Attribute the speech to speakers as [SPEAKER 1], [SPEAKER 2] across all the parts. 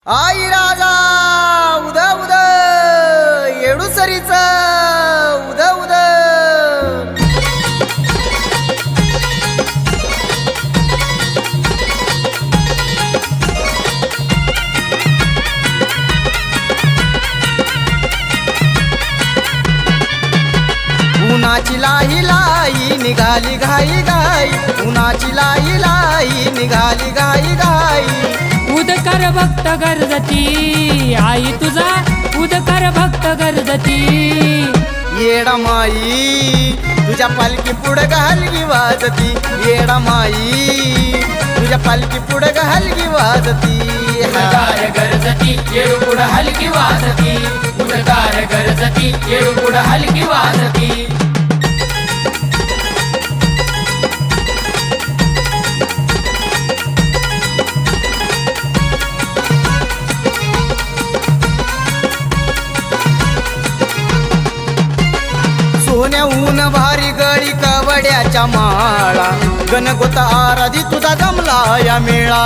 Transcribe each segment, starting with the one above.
[SPEAKER 1] आई राजा उद उद येडूसरीच उद उद उन्हाची लाई लाई निघाली घाई घाई उन्हाची लाई लाई निघाली घाई घाई
[SPEAKER 2] उदकर भक्त गरजती आई तुझा उदकर भक्त गरजती
[SPEAKER 1] येडा माई तुझ्या पालखी पुढं हलगी वाजती येडा माई तुझ्या पालखी पुढं हलगी वाजती
[SPEAKER 2] उदकार गरजती येळू पुढं हलकी वाजती उदकार गरजती येळू पुढं हलकी वाजती
[SPEAKER 1] सोन्याहून भारी गळी कवड्याच्या माळा गणगोता आराधी तुझा जमला या मेळा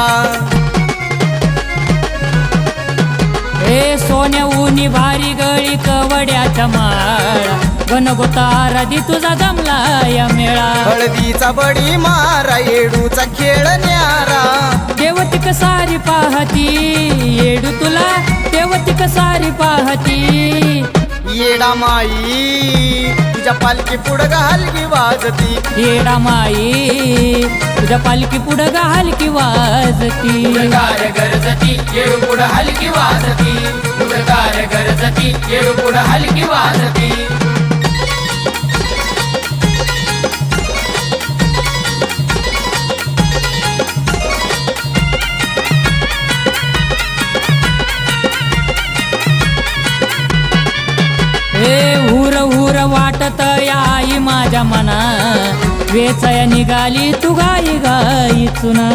[SPEAKER 2] हे सोन्या उनी भारी गळी कवड्याच्या माळा गणगोता राधी तुझा जमला या मेळा
[SPEAKER 1] हळदीचा बडी मारा येडूचा खेळ न्यारा
[SPEAKER 2] देवतिक सारी पाहती येडू तुला देवतिक सारी पाहती
[SPEAKER 1] येडा माई तुझ्या पालखी पुढं हलगी वाजती
[SPEAKER 2] येडा माई तुझ्या पालखी पुढं हलकी वाजती उदकार गरजती येळू पुढं हलकी वाजती उदकार गरजती येळू पुढं हलकी वाजती हुर हुर वाटत आई माझ्या मना वेचया निघाली तू गाई गाई चुना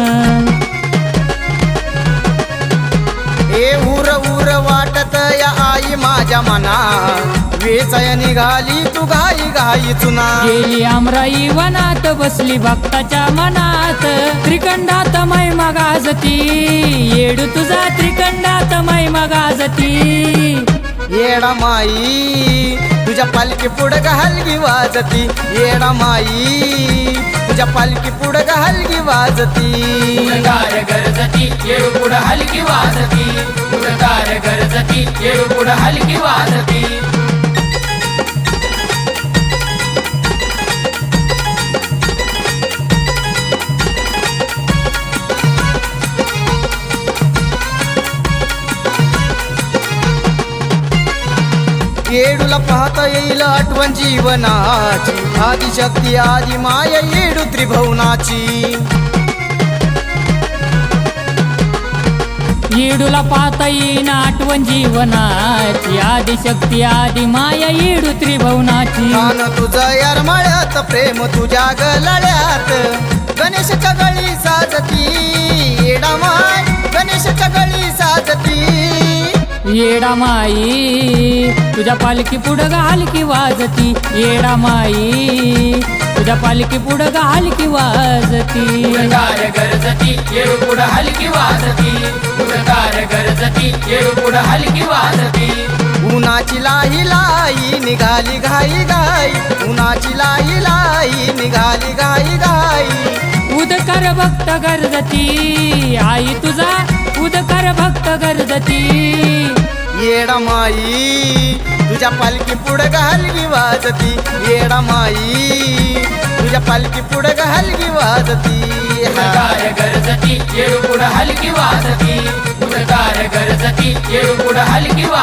[SPEAKER 1] ए उर उर वाटत या आई माझ्या मना वेचय निघाली तू घाई घाई चुना
[SPEAKER 2] गेली आमराई वनात बसली भक्ताच्या मनात त्रिकंडात महिमा गाजती येडू तुझा त्रिकंडात महिमा गाजती
[SPEAKER 1] येडा माई तुझ्या पालखी पुढं हलगी वाजती येडा माई तुझ्या पालखी पुढं हलगी वाजती
[SPEAKER 2] उदकार गरजती येळू पुढं हलकी वाजती उदकार गरजती येळू पुढं हलकी वाजती
[SPEAKER 1] येडूला पाहता येईल आठवण जीवनाची आदिशक्ती आदि माया येडू त्रिभुवनाची
[SPEAKER 2] येडूला पाहता येईन आठवण जीवनाची आदिशक्ती आदि माया येडू त्रिभुवनाची
[SPEAKER 1] कान तुझं यार मळ्यात प्रेम तुझ्या गळ्यात गणेशच्या गळी साजती येडा माय गणेशच्या गळी साजती
[SPEAKER 2] येडा माई तुझ्या पालखी पुढं हलकी वाजती येडा माई तुझ्या पालखी पुढं हलकी वाजती उदकार गरजती येळू पुढं हलकी वाजती उदकार गरजती येळू पुढं हलकी वाजती
[SPEAKER 1] उन्हाची लाई लाई निघाली घाई घाई उन्हाची लाई लाई निघाली घाई घाई
[SPEAKER 2] उदकार भक्त गरजती आई तुझा उदकार भक्त गरजती
[SPEAKER 1] येडा माई तुझ्या पालखी पुढं हलगी वाजती येडा माई तुझ्या पालखी पुढं हलगी वाजती
[SPEAKER 2] उदकार गरजती येळू पुढं हलकी वाजती उदकार गरजती येळू पुढं हलकी वाजती